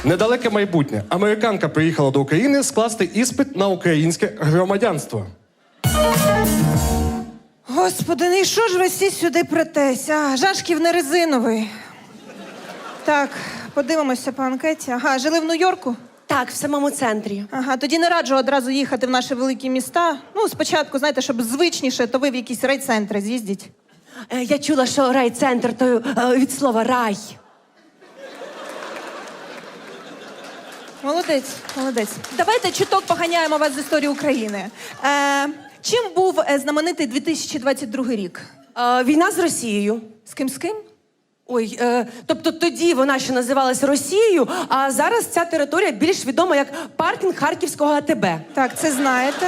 Недалеке майбутнє. Американка приїхала до України скласти іспит на українське громадянство. Господи, ну і що ж ви всі сюди претеся? Жашків не резиновий. Так, подивимося по анкеті. Ага, жили в Нью-Йорку? Так, в самому центрі. Ага, тоді не раджу одразу їхати в наші великі міста. Ну, спочатку, знаєте, щоб звичніше, то ви в якісь райцентри з'їздіть. Я чула, що райцентр то від слова рай. Молодець, молодець. Давайте чуток поганяємо вас з історії України. Чим був знаменитий 2022 рік? Війна з Росією. З ким? Ой, тобто тоді вона ще називалась Росією, а зараз ця територія більш відома як паркінг Харківського АТБ. Так, це знаєте.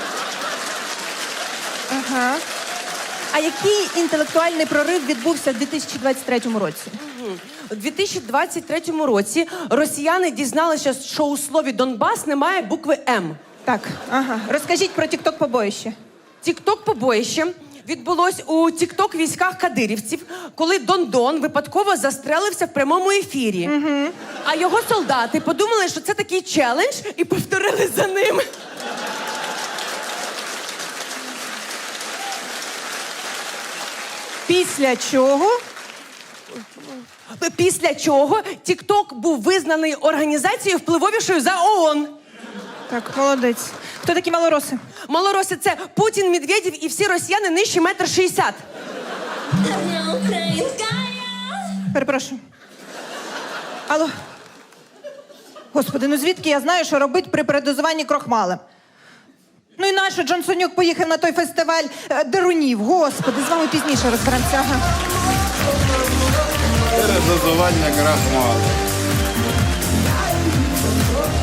Ага. А який інтелектуальний прорив відбувся в 2023 році? У 2023 році росіяни дізналися, що у слові Донбас немає букви М. Так, ага. Розкажіть про тік-ток-побоїще. Тік-ток-побоїще відбулось у тік-ток-військах кадирівців, коли Дон-Дон випадково застрелився в прямому ефірі. Угу. А його солдати подумали, що це такий челендж, і повторили за ним. Після чого тік-ток був визнаний організацією впливовішою за ООН. Так, молодець. Хто такі малороси? Малороси – це Путін, Медведєв і всі росіяни нижче 1,60 м. Перепрошую. Алло. Господи, ну звідки я знаю, що робити при передозуванні крохмалем? Ну і нащо Джонсонюк поїхав на той фестиваль дерунів? Господи, з вами пізніше розберемося. Ага. Передозування крахмалу.